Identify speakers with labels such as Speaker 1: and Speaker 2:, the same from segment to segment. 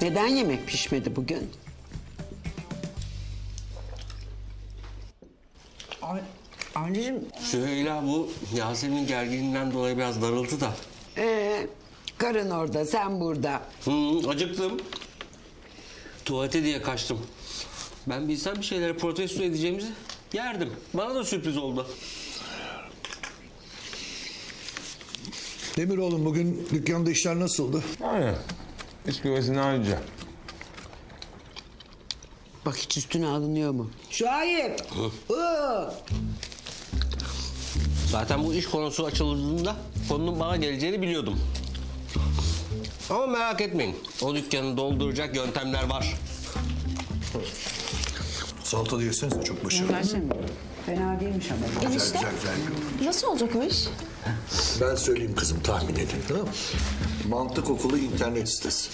Speaker 1: Neden yemek pişmedi bugün?
Speaker 2: Anneciğim.
Speaker 3: Süheyla bu Yasemin'in gerginliğinden dolayı biraz darıldı da.
Speaker 1: Karın orada, sen burada.
Speaker 3: Acıktım. Tuvalete diye kaçtım. Ben bilsem bir şeyleri protesto edeceğimizi yerdim. Bana da sürpriz oldu.
Speaker 4: Demir oğlum bugün dükkanda işler nasıldı?
Speaker 5: Aynen. İç güvesini ayrıca.
Speaker 1: Bak hiç üstüne alınıyor mu? Şahip.
Speaker 3: Zaten bu iş konusu açıldığında konunun bana geleceğini biliyordum. Ama merak etmeyin. O dükkanı dolduracak yöntemler var.
Speaker 4: Salata da yesenize çok başarılı.
Speaker 2: Fena değilmiş ama.
Speaker 4: Güzel güzel güzel.
Speaker 6: Nasıl olacak o iş?
Speaker 4: Ben söyleyeyim kızım tahmin edin tamam mı? Mantık okulu internet sitesi.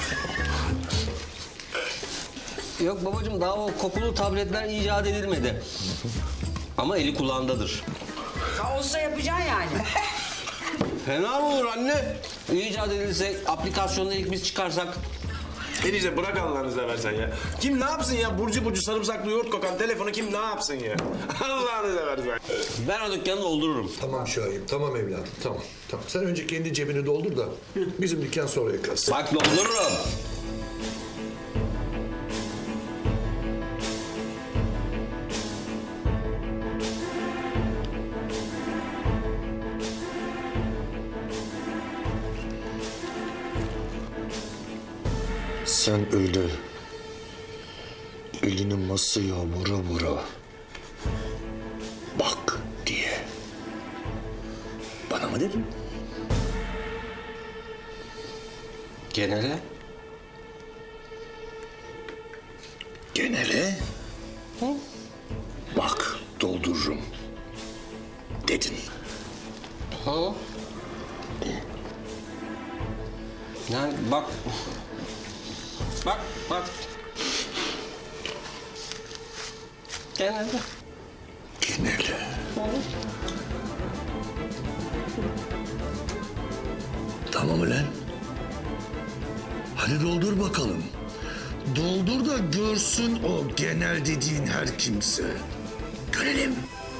Speaker 3: Yok babacığım daha o kokulu tabletler icat edilmedi. Ama eli kulağındadır.
Speaker 2: Olsa yapacaksın yani.
Speaker 3: Fena mı olur anne? İcat edilse, aplikasyonda ilk biz çıkarsak.
Speaker 7: Enişte bırak Allah'ını seversen ya. Kim ne yapsın ya? Burcu burcu sarımsaklı yoğurt kokan telefonu kim ne yapsın ya? Allah'ını seversen.
Speaker 3: Ben o dükkanı doldururum.
Speaker 4: Tamam Şahip tamam evladım tamam. Tamam sen önce kendi cebini doldur da bizim dükkan sonra yıkarsın.
Speaker 3: Bak doldururum.
Speaker 4: Sen öyle elini masaya vura vura bak diye bana mı dedin?
Speaker 3: Genele.
Speaker 4: Genele bak doldururum dedin.
Speaker 3: Ha? Yani bak. Bak, bak. Genelde.
Speaker 4: Genele. Tamam ulan. Hadi doldur bakalım. Doldur da görsün o genel dediğin her kimse. Görelim.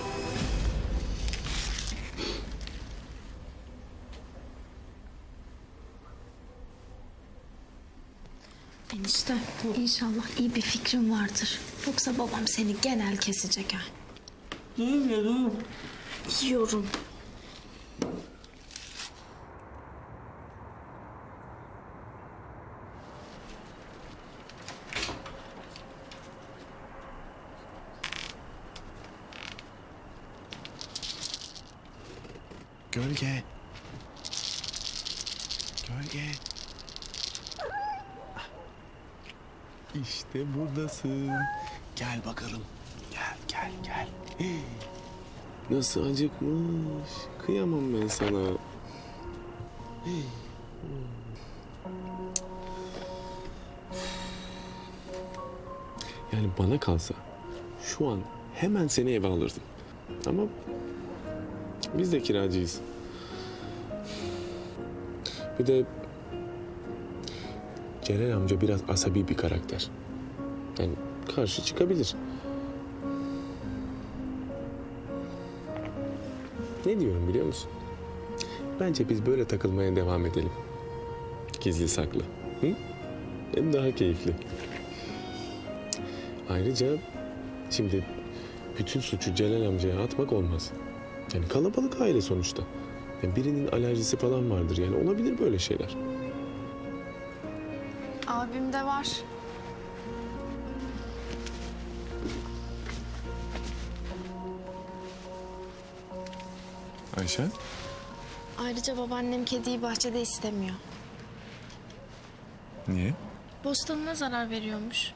Speaker 6: Enişte inşallah iyi bir fikrin vardır. Yoksa babam seni genel kesecek ha. Yiyorum.
Speaker 7: Gölge. Gölge. İşte buradasın. Gel bakalım. Gel, gel, gel. Nasıl acıkmış. Kıyamam ben sana. Yani bana kalsa şu an hemen seni eve alırdım. Ama biz de kiracıyız. Bir de Celal amca biraz asabi bir karakter. Yani karşı çıkabilir. Ne diyorum biliyor musun? Bence biz böyle takılmaya devam edelim. Gizli saklı. Hı? Hem daha keyifli. Ayrıca şimdi bütün suçu Celal amcaya atmak olmaz. Yani kalabalık aile sonuçta. Yani birinin alerjisi falan vardır yani olabilir böyle şeyler.
Speaker 6: Abim de var.
Speaker 7: Ayşe?
Speaker 6: Ayrıca babaannem kediyi bahçede istemiyor.
Speaker 7: Niye?
Speaker 6: Bostanına zarar veriyormuş.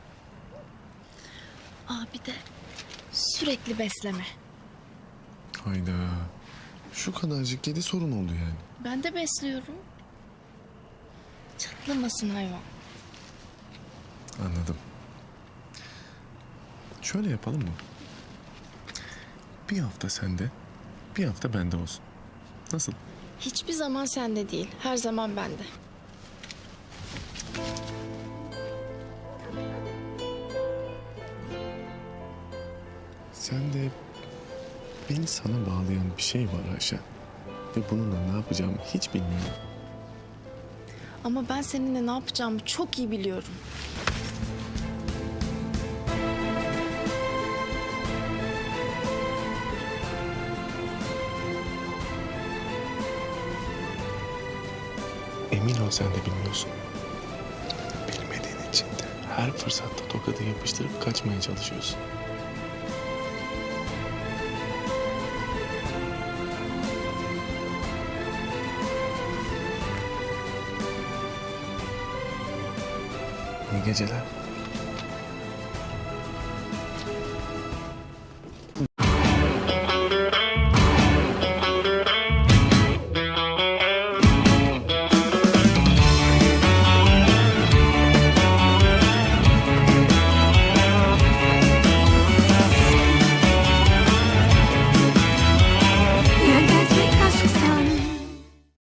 Speaker 6: Abi de sürekli besleme.
Speaker 7: Hayda. Şu kadarcık kedi sorun oldu yani.
Speaker 6: Ben de besliyorum. Çatlamasın hayvan.
Speaker 7: Anladım. Şöyle yapalım mı? Bir hafta sende, bir hafta bende olsun. Nasıl?
Speaker 6: Hiçbir zaman sende değil, her zaman bende.
Speaker 7: Sen de beni sana bağlayan bir şey var Ayşen. Ve bununla ne yapacağımı hiç bilmiyorum.
Speaker 6: Ama ben seninle ne yapacağımı çok iyi biliyorum.
Speaker 7: Emin ol sen de bilmiyorsun. Bilmediğin için de her fırsatta tokadı yapıştırıp kaçmaya çalışıyorsun. İyi geceler.